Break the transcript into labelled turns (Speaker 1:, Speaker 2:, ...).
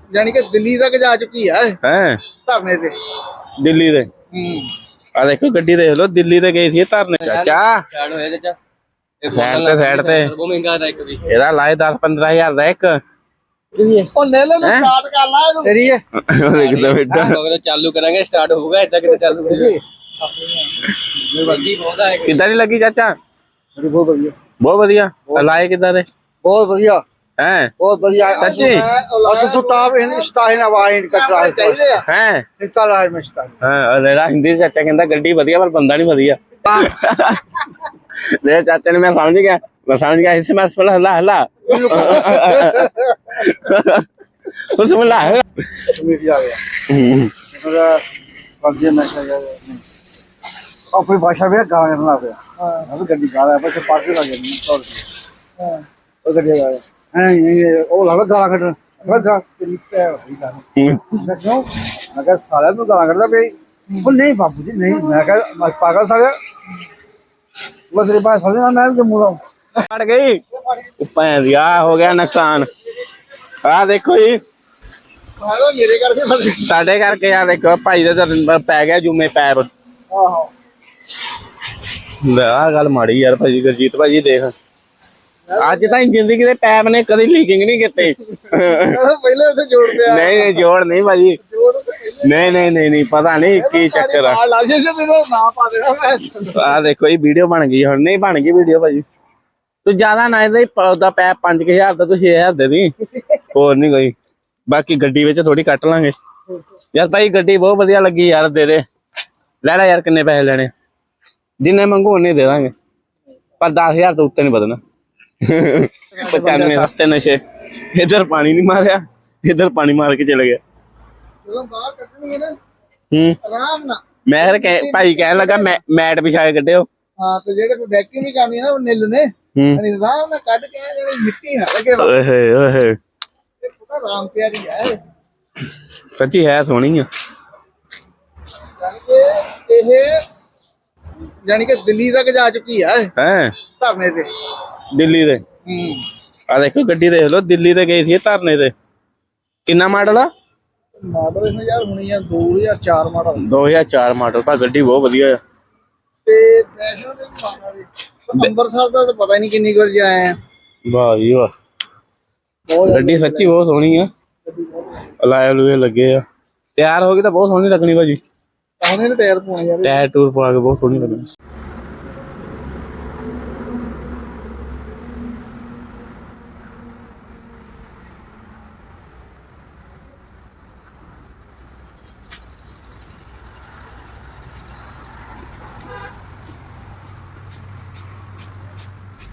Speaker 1: ਜਾਨੀ ਕਿ ਦਿੱਲੀ ਤੱਕ ਜਾ ਚੁੱਕੀ ਹੈ ਧਰਨੇ ਤੇ
Speaker 2: ਦਿੱਲੀ ਦੇ। ਆ ਦੇਖੋ ਗੱਡੀ ਦੇਖ ਲਓ, ਦਿੱਲੀ ਤੇ ਗਈ ਸੀ ਧਰਨੇ। ਚਾਚਾ
Speaker 3: ਸਟਾਰਟ ਹੋਇਆ ਚਾਚਾ,
Speaker 2: ਸਾਈਡ ਤੇ
Speaker 3: ਬਹੁਤ ਮਹਿੰਗਾ ਦਾ ਇੱਕ ਵੀ
Speaker 2: ਇਹਦਾ ਲਾਏ 10-15 ਹਜ਼ਾਰ ਦਾ ਇੱਕ।
Speaker 1: ਉਹ ਲੈ ਲੈ ਸਟਾਰਟ ਕਰ ਲਾ ਇਹਨੂੰ ਕਰੀਏ
Speaker 2: ਦੇਖਦਾ ਬੇਟਾ
Speaker 3: ਮਗਰ ਚਾਲੂ ਕਰਾਂਗੇ, ਸਟਾਰਟ ਹੋਊਗਾ ਇਦਾਂ ਕਿਤੇ ਚਾਲੂ ਕਰੀਏ। ਵੱਡੀ ਬਹੁਤ ਹੈ।
Speaker 2: ਕਿੱਦਾਂ ਦੀ ਲੱਗੀ ਚਾਚਾ?
Speaker 1: ਬਹੁਤ ਵਧੀਆ,
Speaker 2: ਬਹੁਤ ਵਧੀਆ। ਲਾਏ ਕਿੱਦਾਂ ਦੇ?
Speaker 1: ਬਹੁਤ ਵਧੀਆ
Speaker 2: ਹੈ
Speaker 1: ਬਹੁਤ ਵਧੀਆ
Speaker 2: ਸੱਚੀ।
Speaker 1: ਅੱਛਾ ਸਟਾਫ ਇਨ ਸਟਾਈਨ ਆਵਾਜ਼ ਕੱਟਰਾ ਚਾਹੀਦੇ ਆ
Speaker 2: ਹੈ
Speaker 1: ਨਿਕਲ ਆਇਆ ਮੈਂ ਸਟਾਈਨ।
Speaker 2: ਹਾਂ ਲੈਣਾ ਹਿੰਦੀ ਚਾਚਾ ਕਹਿੰਦਾ ਗੱਡੀ ਵਧੀਆ ਪਰ ਬੰਦਾ ਨਹੀਂ ਵਧੀਆ। ਲੈ ਚਾਚਾ ਨੇ, ਮੈਂ ਸਮਝ ਗਿਆ ਇਸ ਮੈਂ ਹੱਲਾ ਹੱਲਾ ਉਸ में ला है
Speaker 1: कमेटी आ गया मेरा बाकी मैं क्या और फिर भाषा भी गाना करना पे हां गड्डी गा रहा है बस पास लग गया हां वो गड्डी गा रहा है ये वो लगा गाना कर लगा तरीका है गाना क्यों अगर सारा तो गाना करता भाई वो नहीं बाबू जी नहीं मैं कह पागल सारे वो तेरे पास समझना मैं जम्मू का
Speaker 2: फट गई भैन दिया हो गया नुकसान। आ देखो जी
Speaker 1: मेरे करके
Speaker 2: ਤੁਹਾਡੇ ਕਰਕੇ ਆ ਦੇਖੋ ਭਾਈ ਦਾ ਪੈ ਗਿਆ ਜੂਮੇ ਪੈਰ।
Speaker 1: ਆਹੋ
Speaker 2: ਲੈ ਆ ਗੱਲ ਮਾੜੀ ਯਾਰ ਭਾਜੀ ਗੁਰਜੀਤ ਭਾਜੀ ਦੇਖ ਅੱਜ ਤਾਂ ਜ਼ਿੰਦਗੀ ਦੇ ਪੈਪ ਨੇ ਕਦੇ ਲੀਕਿੰਗ ਨਹੀਂ ਕੀਤੇ।
Speaker 1: ਪਹਿਲੇ ਉੱਥੇ ਜੋੜਦੇ ਆ
Speaker 2: ਨਹੀਂ ਜੋੜ ਨਹੀਂ ਭਾਜੀ ਨਹੀਂ ਪਤਾ ਨਹੀਂ ਕੀ ਚੱਕਰ ਆ।
Speaker 1: ਲਾਜੇ ਸੇ ਤੇਰਾ ਨਾਮ ਪਾ ਦੇਣਾ ਮੈਂ।
Speaker 2: ਆ ਦੇਖੋ ਇਹ ਵੀਡੀਓ ਬਣ ਗਈ ਹੁਣ। ਨਹੀਂ ਬਣ ਗਈ ਵੀਡੀਓ ਭਾਜੀ। ਤੂੰ ਜ਼ਿਆਦਾ ਨਾ ਇਹਦਾ ਉਹਦਾ ਪੈਪ 5000 ਦਾ ਤੂੰ 6000 ਦੇ ਦੀ ਹੋਰ ਨਹੀਂ ਕੋਈ। ਬਾਕੀ ਗੱਡੀ ਵਿੱਚ ਥੋੜੀ ਕੱਟ ਲਾਂਗੇ ਯਾਰ। ਭਾਈ ਗੱਡੀ ਬਹੁਤ ਵਧੀਆ ਲੱਗੀ ਯਾਰ, ਦੇ ਦੇ ਲੈ ਲੈ ਯਾਰ। ਕਿੰਨੇ ਪੈਸੇ ਲੈਣੇ? ਜਿੰਨੇ ਮੰਗੂ ਉਹਨੇ ਦੇ ਦਾਂਗੇ ਪਰ 10000 ਤੋਂ ਉੱਤੇ ਨਹੀਂ ਵਧਣਾ। 95 ਰਸਤੇ ਨਸ਼ੇ। ਇਧਰ ਪਾਣੀ ਨਹੀਂ ਮਾਰਿਆ, ਇਧਰ ਪਾਣੀ ਮਾਰ ਕੇ ਚਲੇ ਗਿਆ।
Speaker 1: ਜਦੋਂ ਬਾਹਰ ਕੱਢਣੀ ਹੈ ਨਾ ਆਰਾਮ ਨਾਲ।
Speaker 2: ਮੈਂ ਫਿਰ ਭਾਈ ਕਹਿਣ ਲੱਗਾ ਮੈਟ ਵਿਛਾ ਕੇ ਕੱਢਿਓ।
Speaker 1: ਹਾਂ ਤੇ ਜਿਹੜੇ ਕੋਈ ਡੈਕਿੰਗ ਨਹੀਂ ਕਰਨੀ ਨਾ ਉਹ ਨਿੱਲ ਨੇ ਆਰਾਮ ਨਾਲ ਕੱਢ ਕੇ ਜਿਹੜੀ ਮਿੱਟੀ ਨਾ ਲੱਗੇ।
Speaker 2: ਓਏ ਓਏ
Speaker 1: ਇਹ ਪੂਰਾ ਆਰਾਮ ਪਿਆਰੀ ਹੈ
Speaker 2: ਸੱਚੀ ਹੈ ਸੋਹਣੀ ਆ।
Speaker 1: ਜਾਨੀ ਕਿ ਦਿੱਲੀ ਤੱਕ ਜਾ ਚੁੱਕੀ ਹੈ ਧਰਨੇ ਤੇ
Speaker 2: ਦਿੱਲੀ ਦੇ। ਆ ਦੇਖੋ ਗੱਡੀ ਦੇਖ ਲਓ, ਦਿੱਲੀ ਤੇ ਗਈ ਸੀ ਧਰਨੇ ਤੇ। ਕਿੰਨਾ ਮਾਡਲ ਆ?
Speaker 1: ਮਾਡਲ ਇਹਨੂੰ ਯਾਰ ਹੁਣੀ ਆ 2004 ਮਾਡਲ।
Speaker 2: 2004 ਮਾਡਲ ਪਰ ਗੱਡੀ ਬਹੁਤ ਵਧੀਆ ਆ।
Speaker 1: ਤੇ ਵੈਸ਼ਨੋ ਦੇ ਮਾਡਲ ਦੇ ਅੰਮ੍ਰਿਤਸਰ ਦਾ ਤਾਂ ਪਤਾ ਹੀ ਨਹੀਂ ਕਿੰਨੀ ਵਾਰ ਜਾਏ ਆ।
Speaker 2: ਵਾਹ ਜੀ ਵਾਹ ਗੱਡੀ ਸੱਚੀ ਬਹੁਤ ਸੋਹਣੀ ਆ। ਲਾਏ ਲੂਏ ਲੱਗੇ ਆ, ਤਿਆਰ ਹੋ ਗਈ ਤਾਂ ਬਹੁਤ ਸੋਹਣੀ ਲੱਗਣੀ ਭਾਜੀ।
Speaker 1: ਉਹਨੇ ਟਾਇਰ ਪਾਉਣੇ ਯਾਰ,
Speaker 2: ਟਾਇਰ ਟੂਰ ਪਾ ਕੇ ਬਹੁਤ ਸੋਹਣੀ ਲੱਗਣੀ।